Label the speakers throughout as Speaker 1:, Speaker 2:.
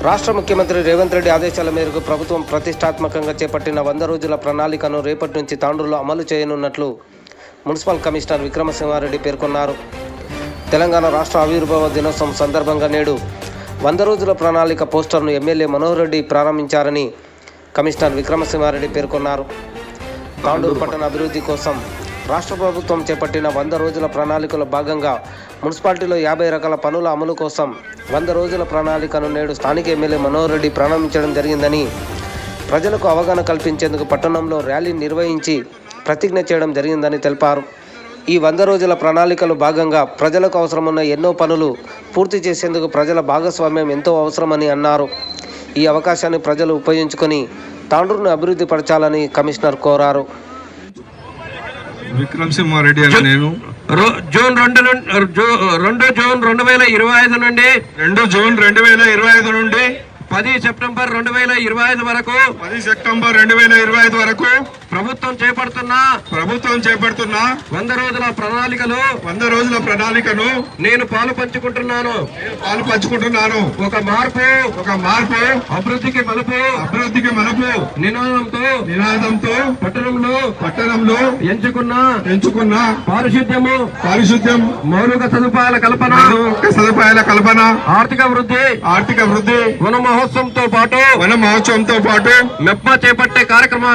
Speaker 1: రాష్ట్ర ముఖ్యమంత్రి రేవంత్ రెడ్డి ఆదేశాల మేరకు ప్రభుత్వం ప్రతిష్టాత్మకంగా చేపట్టిన 100 రోజుల ప్రణాళికను రేపటి నుంచి తాండూరులో అమలు చేయనున్నట్లు మున్సిపల్ కమిషనర్ విక్రమసింహారెడ్డి పేర్కొన్నారు. తెలంగాణ రాష్ట్ర ఆవిర్భావ దినోత్సవం సందర్భంగా నేడు 100 రోజుల ప్రణాళిక పోస్టర్ను ఎమ్మెల్యే మనోహర్ రెడ్డి ప్రారంభించారని కమిషనర్ విక్రమసింహారెడ్డి పేర్కొన్నారు. తాండూరు పట్టణ అభివృద్ధి కోసం రాష్ట్ర ప్రభుత్వం చేపట్టిన 100 రోజుల ప్రణాళికలో భాగంగా మున్సిపాలిటీలో 50 రకాల పనుల అమలు కోసం 100 రోజుల ప్రణాళికను నేడు స్థానిక ఎమ్మెల్యే మనోహర్ రెడ్డి ప్రారంభించడం జరిగిందని, ప్రజలకు అవగాహన కల్పించేందుకు పట్టణంలో ర్యాలీ నిర్వహించి ప్రతిజ్ఞ చేయడం జరిగిందని తెలిపారు. ఈ 100 రోజుల ప్రణాళికలో భాగంగా ప్రజలకు అవసరమున్న ఎన్నో పనులు పూర్తి చేసేందుకు ప్రజల భాగస్వామ్యం ఎంతో అవసరమని అన్నారు. ఈ అవకాశాన్ని ప్రజలు ఉపయోగించుకొని తాండూరును అభివృద్ధి పరచాలని కమిషనర్ కోరారు.
Speaker 2: విక్రమసింహారెడ్డి అని నేను
Speaker 3: జూన్ 2025 నుండి
Speaker 2: 2 జూన్ 2025 నుండి
Speaker 3: 10 సెప్టెంబర్ 2025 వరకు
Speaker 2: 10 సెప్టెంబర్ 2025 వరకు
Speaker 3: ప్రభుత్వం చేపడుతున్న
Speaker 2: 100 రోజుల ప్రణాళికను
Speaker 3: నేను పాలు పంచుకుంటున్నాను. ఒక మార్పు అభివృద్ధికి మలుపు నినాదంతో పట్టణంలో ఎంచుకున్న పారిశుద్ధ్యం మౌలిక సదుపాయాల కల్పన ఆర్థిక వృద్ధి వన మహోత్సవంతో పాటు మెప్ప చేపట్టే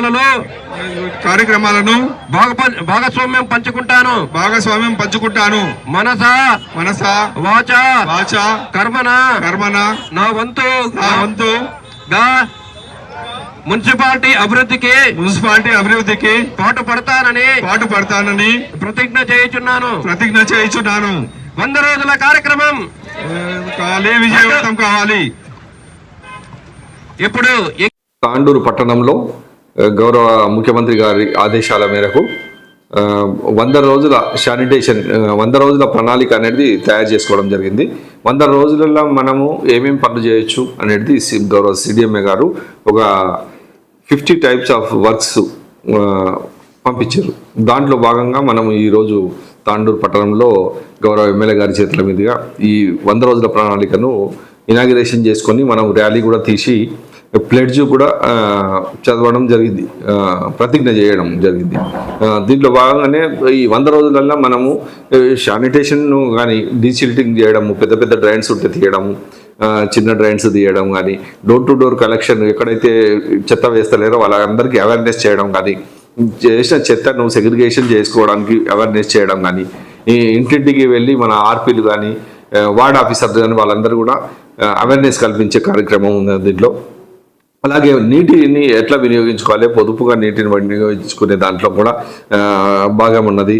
Speaker 3: కార్యక్రమాలను భాగస్వామ్యం పంచుకుంటాను. మనస వాచ కర్మన నా వంతుగా మున్సిపాలిటీ అభివృద్ధికి పాటు పడతానని ప్రతిజ్ఞ చేయుచున్నాను. 100 రోజుల కార్యక్రమం
Speaker 2: విజయవంతం కావాలి.
Speaker 3: ఇప్పుడు
Speaker 4: తాండూరు పట్టణంలో గౌరవ ముఖ్యమంత్రి గారి ఆదేశాల మేరకు 100 రోజుల శానిటేషన్ 100 రోజుల ప్రణాళిక అనేది తయారు చేసుకోవడం జరిగింది. 100 రోజులలో మనము ఏమేమి పనులు చేయొచ్చు అనేది గౌరవ సిడిఎంఏ గారు ఒక 50 టైప్స్ ఆఫ్ వర్క్స్ పంపించారు. దాంట్లో భాగంగా మనము ఈరోజు తాండూరు పట్టణంలో గౌరవ ఎమ్మెల్యే గారి చేతుల మీదుగా ఈ 100 రోజుల ప్రణాళికను ఇనాగ్రేషన్ చేసుకొని మనం ర్యాలీ కూడా తీసి ప్లెడ్జ్ కూడా చదవడం జరిగింది, ప్రతిజ్ఞ చేయడం జరిగింది. దీంట్లో భాగంగానే ఈ 100 రోజులలో మనము శానిటేషన్ను కానీ డీసిల్టింగ్ చేయడము, పెద్ద డ్రైన్స్ ఉంటే తీయడము, చిన్న డ్రైన్స్ తీయడం కానీ, డోర్ టు డోర్ కలెక్షన్ ఎక్కడైతే చెత్త వేస్తలేరో వాళ్ళందరికీ అవేర్నెస్ చేయడం కానీ, చేసిన చెత్తను సెగ్రిగేషన్ చేసుకోవడానికి అవేర్నెస్ చేయడం కానీ, ఈ ఇంటింటికి వెళ్ళి మన ఆర్పీలు కానీ వార్డ్ ఆఫీసర్లు కానీ వాళ్ళందరూ కూడా అవేర్నెస్ కల్పించే కార్యక్రమం ఉంది దీంట్లో. అలాగే నీటిని ఎట్లా వినియోగించుకోవాలి, పొదుపుగా నీటిని వినియోగించుకునే దాంట్లో కూడా భాగం ఉన్నది.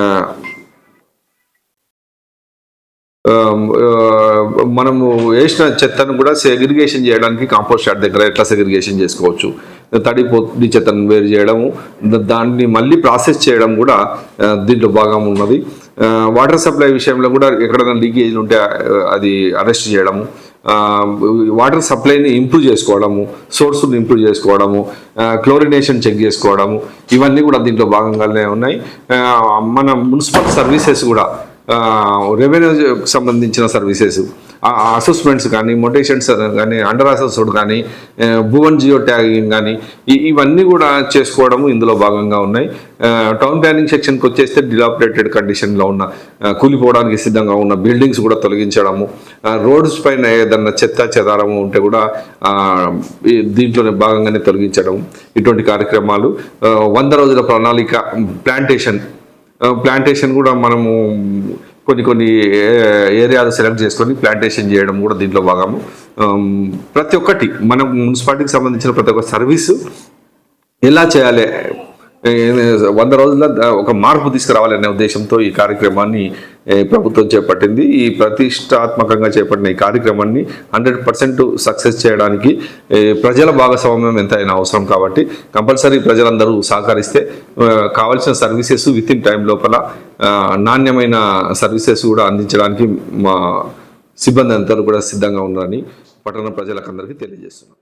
Speaker 4: మనము వేసిన చెత్తను కూడా సెగ్రిగేషన్ చేయడానికి కాంపోస్ట్ యార్డ్ దగ్గర ఎట్లా సెగ్రిగేషన్ చేసుకోవచ్చు, తడి చెత్తను వేరు చేయడము, దాన్ని మళ్ళీ ప్రాసెస్ చేయడం కూడా దీంట్లో భాగం ఉన్నది. వాటర్ సప్లై విషయంలో కూడా ఎక్కడైనా లీకేజ్లు ఉంటే అది అరెస్ట్ చేయడము, వాటర్ సప్లైని ఇంప్రూవ్ చేసుకోవడము, సోర్స్ని ఇంప్రూవ్ చేసుకోవడము, క్లోరినేషన్ చెక్ చేసుకోవడము, ఇవన్నీ కూడా దీంట్లో భాగంగానే ఉన్నాయి. మన మున్సిపల్ సర్వీసెస్ కూడా రెవెన్యూకి సంబంధించిన సర్వీసెస్, అసెస్మెంట్స్ కానీ, మొటేషన్స్ కానీ, అండర్ అసెస్డ్ కానీ, భువన్ జియో ట్యాగింగ్ కానీ ఇవన్నీ కూడా చేసుకోవడము ఇందులో భాగంగా ఉన్నాయి. టౌన్ ప్లానింగ్ సెక్షన్కి వచ్చేస్తే డిలాపిడేటెడ్ కండిషన్లో ఉన్న, కూలిపోవడానికి సిద్ధంగా ఉన్న బిల్డింగ్స్ కూడా తొలగించడము, రోడ్స్ పైన ఏదన్నా చెదారము ఉంటే కూడా దీంట్లోనే భాగంగానే తొలగించడం, ఇటువంటి కార్యక్రమాలు. 100 రోజుల ప్రణాళిక ప్లాంటేషన్ కూడా మనము కొన్ని ఏరియాలు సెలెక్ట్ చేసుకొని ప్లాంటేషన్ చేయడం కూడా దీంట్లో భాగము. ప్రతి ఒక్కటి మన మున్సిపాలిటీకి సంబంధించిన ప్రతి ఒక్క సర్వీసు ఎలా చేయాలి, 100 రోజుల్లో ఒక మార్పు తీసుకురావాలనే ఉద్దేశంతో ఈ కార్యక్రమాన్ని ప్రభుత్వం చేపట్టింది. ఈ ప్రతిష్టాత్మకంగా చేపట్టిన ఈ కార్యక్రమాన్ని 100% సక్సెస్ చేయడానికి ప్రజల భాగస్వామ్యం ఎంతైనా అవసరం. కాబట్టి కంపల్సరీ ప్రజలందరూ సహకరిస్తే కావాల్సిన సర్వీసెస్ విత్ ఇన్ టైం లోపల నాణ్యమైన సర్వీసెస్ కూడా అందించడానికి మా సిబ్బంది అందరూ కూడా సిద్ధంగా ఉన్నారని పట్టణ ప్రజలకు అందరికీ తెలియజేస్తున్నాం.